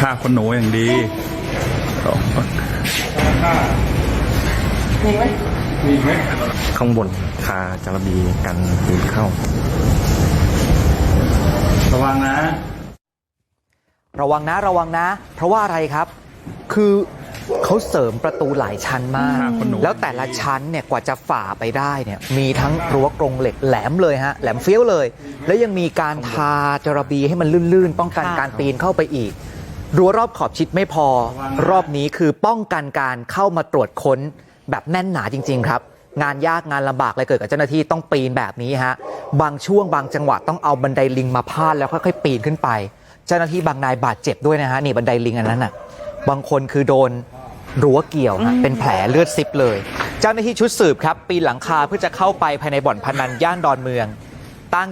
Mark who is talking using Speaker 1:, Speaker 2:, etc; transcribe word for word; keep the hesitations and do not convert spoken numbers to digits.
Speaker 1: ฆ่าคนหนูอย่างดี
Speaker 2: มีไหมมีไหม
Speaker 3: ข้างบนคาจระบีกันปีนเข้า
Speaker 1: ระวังนะ
Speaker 4: ระวังนะระวังนะเพราะว่าอะไรครับคือเขาเสริมประตูหลายชั้นมากแล้วแต่ละชั้นเนี่ยกว่าจะฝ่าไปได้เนี่ยมีทั้งรั้วกรงเหล็กแหลมเลยฮะแหลมเฟี้ยวเลยแล้วยังมีการทาจระบีให้มันลื่นๆป้องกันการปีนเข้าไปอีกรั้วรอบขอบชิดไม่พอรอบนี้คือป้องกันการเข้ามาตรวจค้นแบบแน่นหนาจริงๆครับงานยากงานลำบากเลยเกิดกับเจ้าหน้าที่ต้องปีนแบบนี้ฮะบางช่วงบางจังหวะต้องเอาบันไดลิงมาพาดแล้วค่อยๆปีนขึ้นไปเจ้าหน้าที่บางนายบาดเจ็บด้วยนะฮะนี่บันไดลิงอันนั้นน่ะบางคนคือโดนรั้วเกี่ยวฮะเป็นแผลเลือดซิบเลยเจ้าหน้าที่ชุดสืบครับปีนหลังคาเพื่อจะเข้าไปภายในบ่อนพนันย่านดอนเมือง